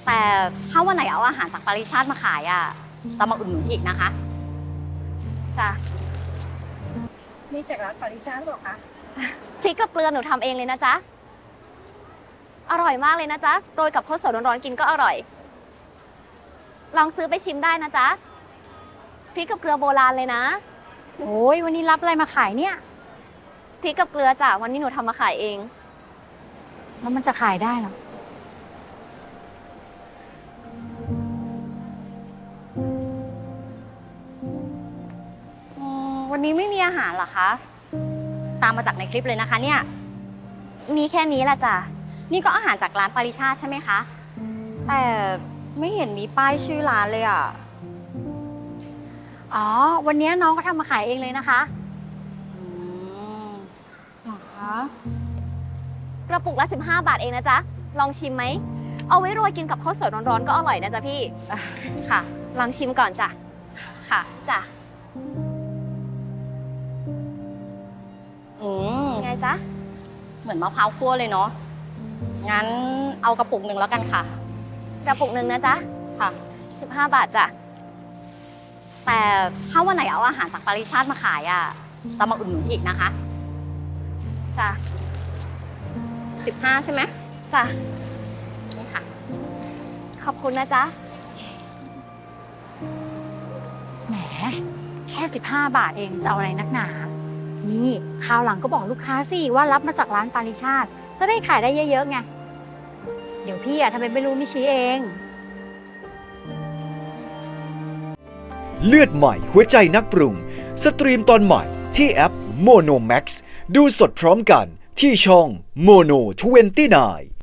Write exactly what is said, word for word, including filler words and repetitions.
แต่ถ้าวันไหนเอาอาหารจากปาริชาติมาขายอ่ะจะมาอุดหนุนอีกนะคะจ้ะนี่จากร้านปาริชาติหรอคะพริกกับเกลือหนูทำเองเลยนะจ๊ะอร่อยมากเลยนะจ๊ะโรยกับข้าวสวยร้อนๆกินก็อร่อยลองซื้อไปชิมได้นะจ๊ะพริกกับเกลือโบราณเลยนะโอ้ยวันนี้รับอะไรมาขายเนี่ยพริกกับเกลือจ้ะวันนี้หนูทำมาขายเองแล้วมันจะขายได้หรออืมวันนี้ไม่มีอาหารเหรอคะ ตามมาจากในคลิปเลยนะคะเนี่ยมีแค่นี้แหละจ้ะนี่ก็อาหารจากร้านปาริชาติใช่ไหมคะ แต่ไม่เห็นมีป้ายชื่อร้านเลยอ่ะอ๋อวันนี้น้องก็ทำมาขายเองเลยนะคะอืมเหรอคะกระปุกละสิบห้าบาทเองนะจ๊ะลองชิมไหมเอาไว้โรยกินกับข้าวสวยร้อนๆก็อร่อยนะจ๊ะพี่อ่ะค่ะลองชิมก่อนจ้ะค่ะจ้ะอืมไงจ๊ะเหมือนมะพร้าวคั่วเลยเนาะ งั้นเอากระปุกหนึ่งแล้วกันค่ะกระปุกหนึ่งนะจ๊ะค่ะสิบห้าบาทจ้ะแต่ถ้าวันไหนเอาอาหารจากปาริชาติมาขายอ่ะจะมาอุดหนุนอีกนะคะจ้ะสิบห้าใช่ไหมจ้ะนี่ค่ะขอบคุณนะจ๊ะแหมแค่สิบห้าบาทเองจะเอาอะไรนักหนา นี่คราวหลังก็บอกลูกค้าสิว่ารับมาจากร้านปาริชาติจะได้ขายได้เยอะๆไง เดี๋ยวพี่อะทำไมไม่รู้ไม่ชี้เองเลือดใหม่หัวใจนักปรุง สตรีมตอนใหม่ที่แอป Mono Max ดูสดพร้อมกันที่ช่อง Mono ยี่สิบเก้า